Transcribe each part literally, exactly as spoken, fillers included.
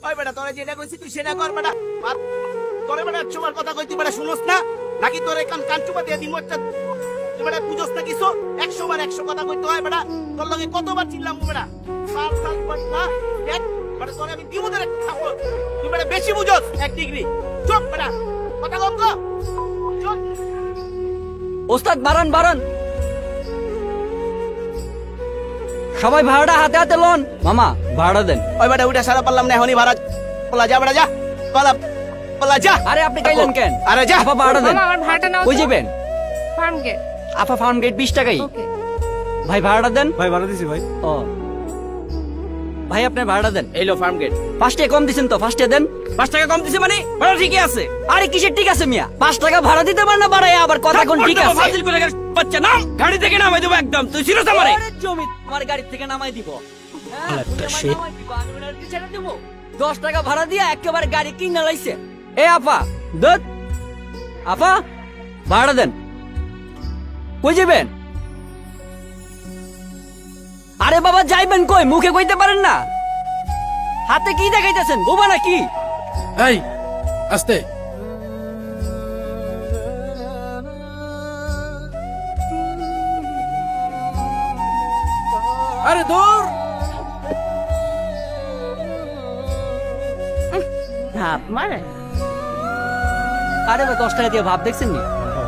ওই বেটা তোরে যেটা কইছি তুই সেটা কর বেটা। আর তোরে বেটা একশোবার কথা কইতি বেটা শুনোস না নাকি তোরে কান কান চুপা দিয়ে দিন একটা তুই বেটা বুঝোস না কিছু একশো বার একশো কথা কইতে হয় বেটা। তোর লগে কতবার চিল্লাম বেটা সাল সাল না দেখ বেটা তোরে আমি দিব তোরে থাপড়। তুই বেটা বেশি বুঝোস এক ডিগ্রি চুপ বেটা কথা কম কর চুপ। ওস্তাদ বারান বারান, সবাই ভাড়াটা হাতে হাতে লন। মামা ভাড়া দেন। ওই বেটা উঠে সারা পারলাম না এখনই ভাড়া পলা যা বেটা যা পলা পলা যা। আরে আপনি গাইলেন কেন? আরে যা আপা ভাড়া দেন। মামা আমার ভাড়াটা নাও। কই যাবেন? ফার্ম গেট। আপা ফার্ম গেট বিশ টাকাই। ওকে। ভাই ভাড়াটা দেন। ভাই ভাড়া দিছি ভাই। ও ভাই আপনার ভাড়াটা দেন। এই লো ফার্ম গেট। পাঁচ টাকা কম দিছেন তো? পাঁচ টাকা দেন। পাঁচ টাকা কম দিছে মানে ভাড়া ঠিকই আছে। আরে কিসের ঠিক আছে মিয়া? পাঁচ টাকা ভাড়া দিতে পার না বাড়ায় আবার কথা কোন ঠিক আছে? ফাজিল করে গেল বাচ্চা নাম গাড়ি থেকে নামাই দেবো একদম। তুই ছিড়ছ আমারে ওরে জমি আমার গাড়ি থেকে নামাই দিব। হ্যাঁ, আলাদা নামাই shit। দিব, আমি ওনার কি ছেড়ে দেবো? দশ টাকা ভাড়া দিয়া একেবারে গাড়ি কিনে লাইছে। এ আপা দত আপা ভাড়া দেন। কই যাবেন? আরে বাবা যাইবেন কই? মুখে কইতে পারেন না? হাতে কি দেখাইতেছেন? বোবা নাকি? এই আস্তে আরে দূর ভাব মারে। আরে বা দশ টাকা দিয়ে ভাব দেখছেন নি?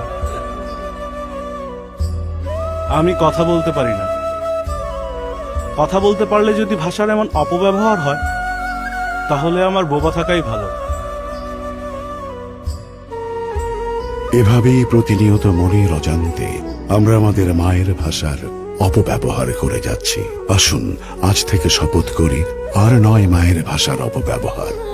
আমি কথা বলতে পারি না। কথা বলতে পারলে যদি ভাষার এমন অপব্যবহার হয় তাহলে আমার বোবা থাকাই ভালো। এভাবেই প্রতিনিয়ত মনের অজান্তে আমরা আমাদের মায়ের ভাষার অপব্যবহার করে যাচ্ছি। আসুন আজ থেকে শপথ করি আর নয় মায়ের ভাষার অপব্যবহার।